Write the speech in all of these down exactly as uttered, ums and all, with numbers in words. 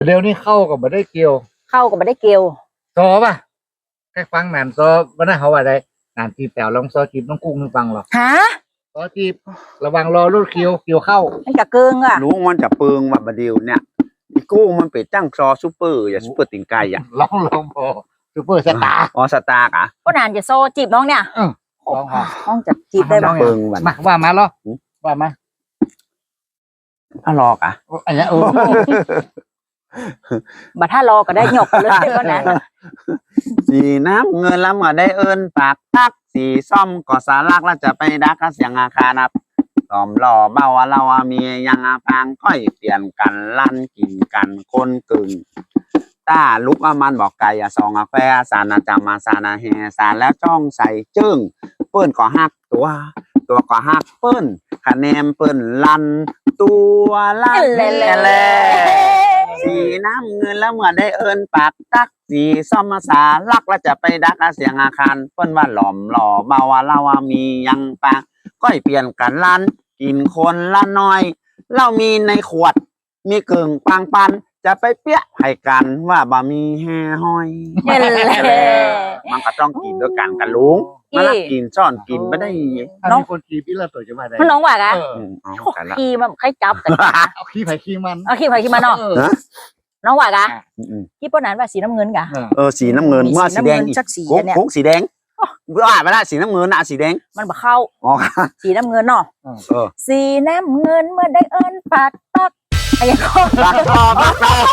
เดี๋ยวนี้เข้ากับมาได้เกี่ยวเข้ากับมาได้เกี่ยวซอป่ะแค่ฟังหนานซอวันนั้นเขาว่าได้หนานจีบแป๋วลองซอจีบน้องกุ้งนึงฟังหรอฮะซอจีบระวังรอรถเกี่ยวเกี่ยวเข้ามันกะเกิงอ่ะรู้มันจะเปิงว่าบดีวเนี่ยอีกู้มันเป็นจ้างซอซูเปอร์อย่าซูเปอร์ติงไก่อ่ะลองลองพอซูเปอร์สตาร์อ๋อสตาร์อ่ะก็นานจะโซจีบน้องเนี่ยลองห้องจะจีบได้บ้างเปิงมาว่ามาเหรอว่ามาถ้ารอกอ่ะอันนี้โอ้บัดถ้ารอก็ได้หยกเลยก็นั้นสีน้ำเงินแล้วมาได้เอิญปากทักสีส้มก็สารักแล้วจะไปดักเสียงอาคานับหลอมหล่อเบาเรามียังอาพางค่อยเปลี่ยนกันลั่นกินกันคนกึ่งต้าลุกอามันบอกไก่อะซองอาแฟสานาจามาสานาแฮสาแล้วจ้องใส่จึ้งเปิ้นก็หักตัวตัวก็หักเปิ้นคะแนนเปิ้นลั่นตัวลั่นแล่สีน้ำเงินแล้วเมื่อได้เอิญปากตักสีส้มมาสาลักแล้วจะไปดักเสียงอาคารเปิ้นว่าหลอมหล่อเบาเรามียังปางก้อยเปลี่ยนกันลั่นกินคนละน้อยเรามีในขวดมีเกิ่งปังปันจะไปเปี้ยให้กันว่าบะมีแห่ห้อยมันก็ต้องกินด้วยกันกันลุงมาลักกินซ่อนกินไม่ได้น้องคนขี่พี่ละตัวจะมาได้มันน้องว่ากะขี่มันใครจับกันเอาขี่ไผ่ขี่มันเอาขี่ไผ่ขี่มันเนาะน้องว่ากะที่ป้นนั้นว่าสีน้ำเงินกะเออสีน้ำเงินเมื่อสีแดงอีกโค้งสีแดงว่าไม่ได้สีน้ำเงินอะสีแดงมันบ่เข้าสีน้ำเงินเนาะสีน้ำเงินเมื่อได้เอิญปากตักอะไรก็ปากรอปากรอ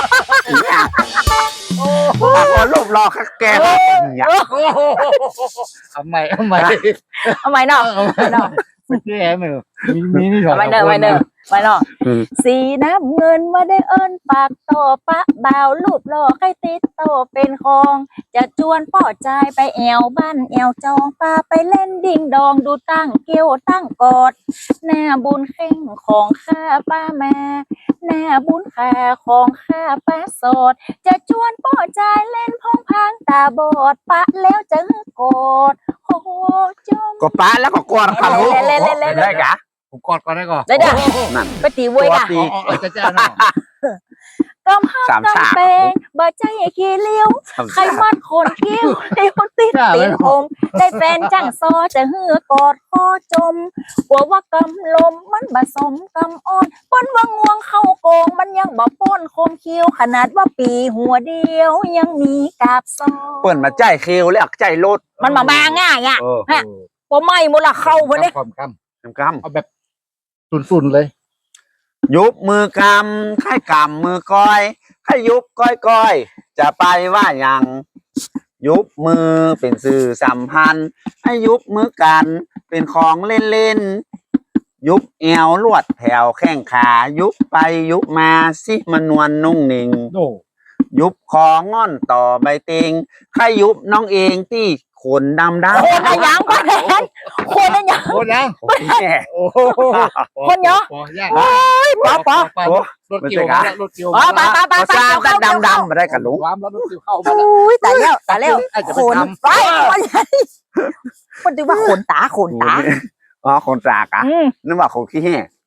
ปากรอรูปรอคักแกอย่างทำไมทำไมทำไมเนาะเนาะไม่แก่เหมือนมีมีนี่ถอดไม่เนอะไม่เนอะไม่เนาะสีน้ำเงินมาได้เอิญปากโตปะบ่าวรูปหล่อใครติดโตเป็นคองจะจวนป่อใจไปแอวบ้านแอวจองปาไปเล่นดิ่งดองดูตั้งเกี้ยวตั้งกอดหน้าบุญเข่งของข้าป้าแม่หน้าบุญขาของข้าป้าโสดจะจวนป่อใจเล่นพองพังตาบอดปะแล้วจะกอดโอ้จมก็ป้าแล้วก็กอดกันรู้ได้กะผมกอดก่อนได้ก่อนได้จ้ะไปตีเว้ยกะจะจ้าเนาะกำห้ามกำเปงบ่ใจขี้เลี้ยวใครมัดคนเกี้ยวเลี้ยวติดตีนผมได้แฟนจังซอจะเหือกอดคอจมกลัวว่ากำลมมันผสมกำอ่อนป้นว่างวงเข้าโกงมันยังบ่ป้นคมเคี้ยวขนาดว่าปีหัวเดียวยังมีกาบซอเปิ่นมาใจเคี้ยวแล้วใจรถมันมาบางง่ายอ่ะฮะพอไม่หมดละเข้าพอเนี่ยความกำกำเอาแบบสุนๆเลยยุบมือกำค่ายกำมือก้อยค่ายยุบก้อยก้อยจะไปว่าอย่างยุบมือเป็นสื่อสัมพันธ์ให้ยุบมือกันเป็นของเล่นเล่นยุบเอวลวดแถวแข้งขายุบไปยุบมาสิมันนวลนุ่งนิ่งยุบคองอนต่อใบเตงค่ายยุบน้องเองที่ขนดำดำคนอะไรยังคนอะไรคนอะไรยังคนยังโอ้คนเยอะโอ้ยป๊อปป๊อปรถเกี่ยวมารถเกี่ยวมาป้าป้าป้าป้าดำดำมาได้กันลุงความแล้วรถเกี่ยวเข้ามาอุ้ยแต่แล้วแต่แล้วขนไปคนดูว่าขนตาขนตาอ๋อขนตากะนึกว่าขนขี้แห่